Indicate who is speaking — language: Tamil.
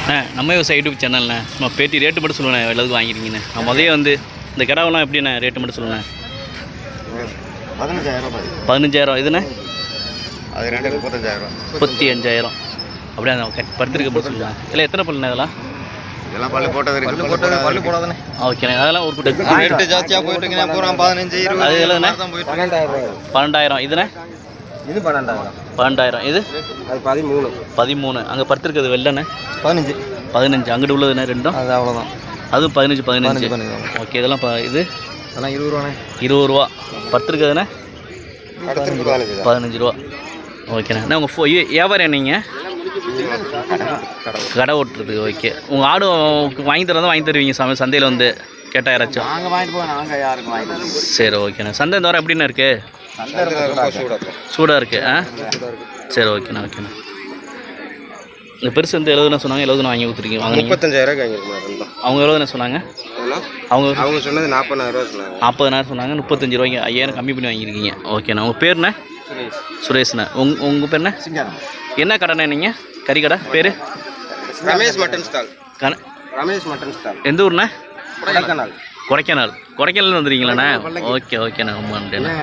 Speaker 1: நம்ம விவசாய யூடியூப் சேனல்ண்ணே நம்ம பேட்டி ரேட்டு மட்டும் சொல்லுவேன் எல்லாத்துக்கும் வாங்கிருக்கீங்கண்ணே. நான் முதலே வந்து இந்த கிடாவெல்லாம் எப்படிண்ணே ரேட்டு மட்டும் சொல்லுவேன். 15,000 இதுண்ணே
Speaker 2: அது 35,000
Speaker 1: 35,000 அப்படியே அந்த படுத்துருக்க போட்டு சொல்லுவேன். இல்லை எத்தனை பல்லுண்ணே இதெல்லாம்?
Speaker 2: இதெல்லாம் பல்லு போட்டது இருக்கு. பல்லு போடாதானே.
Speaker 1: ஓகேண்ணே அதெல்லாம் ஒரு
Speaker 2: ரேட்டு ஜாஸ்தியாக போயிட்டு இருக்குண்ணே. பூரா 15 20
Speaker 1: அது எவ்வளோண்ணே? 12,000 இதுண்ணே
Speaker 2: இது 12,000
Speaker 1: 12,000 இது
Speaker 2: அது 13
Speaker 1: அங்கே படுத்துருக்கிறது வெள்ளண்ணே
Speaker 2: 15
Speaker 1: அங்கிட்டு உள்ளதுண்ணே ரெண்டும்
Speaker 2: அது அவ்வளோதான்.
Speaker 1: அதுவும் 15 ஓகே. இதெல்லாம் இது
Speaker 2: அதெல்லாம் 20 ரூபாண்ணே.
Speaker 1: 20 ரூபா படுத்துருக்குதுண்ணே. 15 ரூபா ஓகேண்ணே. உங்கள் வியாபாரம் நீங்கள் கடை ஓட்டுறது ஓகே. உங்கள் ஆடு வாங்கி தரதான் வாங்கி தருவீங்க சந்தையில் வந்து கேட்டால் யாராச்சும்?
Speaker 2: நாங்கள் வாங்கிட்டு போவோம். நாங்கள் யாருக்கும் வாங்கி தரோம்.
Speaker 1: சரி ஓகேண்ணே. சந்தை இந்த வாரம் எப்படிண்ணே இருக்குது? சூடாக இருக்குது. சரி ஓகேண்ணா. இந்த பெருசு வந்து 70 சொன்னாங்க. 70 வாங்கி கொடுத்துருக்கீங்க. வாங்க
Speaker 2: 35,000 வாங்கிருக்கோம்.
Speaker 1: அவங்க 70 சொன்னாங்க.
Speaker 2: அவங்க சொன்னது 40,000 சொன்னாங்க.
Speaker 1: 40,000 சொன்னாங்க. 35 ரூபாய்க்கு 5,000 கம்மி பண்ணி வாங்கியிருக்கீங்க. ஓகேண்ணா. உங்கள் பேருண்ணே? சுரேஷ்ண்ணா. உங்கள் பேருண்ணே? என்ன கடைண்ணே நீங்கள்? கறி கடை பேர்?
Speaker 2: Ramesh mutton stall.
Speaker 1: எந்த ஊர்ண்ணே?
Speaker 2: கொடைக்கானல்.
Speaker 1: கொடைக்கானல் வந்துடுறீங்களாண்ணே? ஓகேண்ணா. ரொம்ப நன்றிண்ணே.